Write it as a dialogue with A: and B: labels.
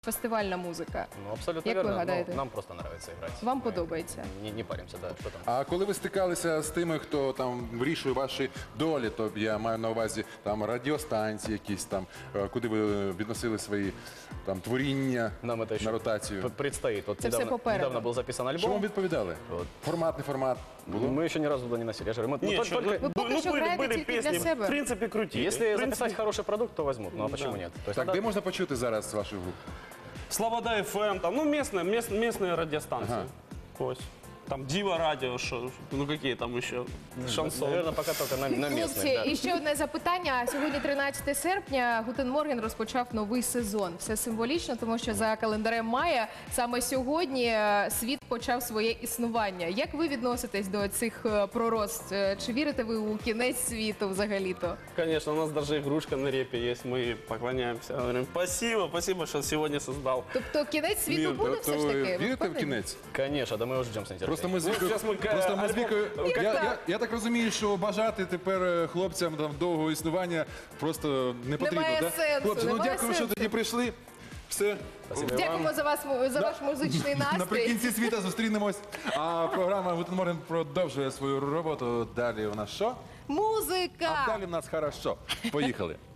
A: фестивальна музика.
B: Ну, абсолютно
A: Як ви
B: верно.
A: гадаєте?
B: Ну, нам просто нравится играть.
A: Вам подобається?
B: Не паримся, да, что там.
C: А коли ви стикалися з тими, хто там вирішує ваші долі, то я маю на увазі там радіостанції якісь там, куди ви відносили свої там творіння
B: Нам это еще
C: на ротацію.
B: предстоит. Вот
A: Это всё попереду.
B: недавно был записан
C: Що вам
B: альбом.
C: відповідали?
B: Вот.
C: Формат, не формат? Було?
B: Мы еще ни разу туда не носили. Я же говорю, мы
D: Нет,
B: только...
A: Вы пока что играете тільки для себя.
D: В принципе, крутить.
B: Если записать хороший продукт, то возьмут. Ну а почему нет? То есть
C: Так,
B: надо-
C: де можна почути зараз вашу групу?
D: Слобода FM, там, ну, местные радиостанции.
C: Ага.
D: То есть, там Дива радио, ну какие там еще, шансон.
B: Наверное, пока только на местных,
A: Хлопці,
B: да.
A: і ще одне запитання. Сьогодні 13 серпня. Гутен Морген розпочав новий сезон. Все символічно, тому що за календарем мая саме сьогодні світ почав своє існування. Як ви відноситесь до цих пророцтв? Чи вірите ви у кінець світу взагалі-то?
D: Конечно, у нас даже игрушка на репе есть, мы поклоняемся, говорим, спасибо, что сегодня создал.
A: Тобто кінець світу
D: Вірте,
A: буде все
C: То
A: ж
C: ви
A: таки? Ви
C: вірите в
A: впевнені?
C: кінець?
B: Конечно, да мы его ждем с нетерпением.
C: Просто ми з Вікою,
D: зараз ми,
C: просто ми з Вікою,
A: Альбом-
C: я так розумію, що бажати тепер хлопцям там довгого існування просто не потрібно.
A: Немає
C: да?
A: сенсу,
C: Хлопці, ну
A: немає
C: дякую, що
A: сенсу.
C: тоді прийшли. Все.
B: Спасибо
A: Дякуємо
B: вам.
A: за вас, за ваш музичний настрій.
C: Наприкінці світа зустрінемось. А програма «Гутен Морген» продовжує свою роботу. Далі у нас що?
A: Музика!
C: А далі в нас хорошо. Поїхали.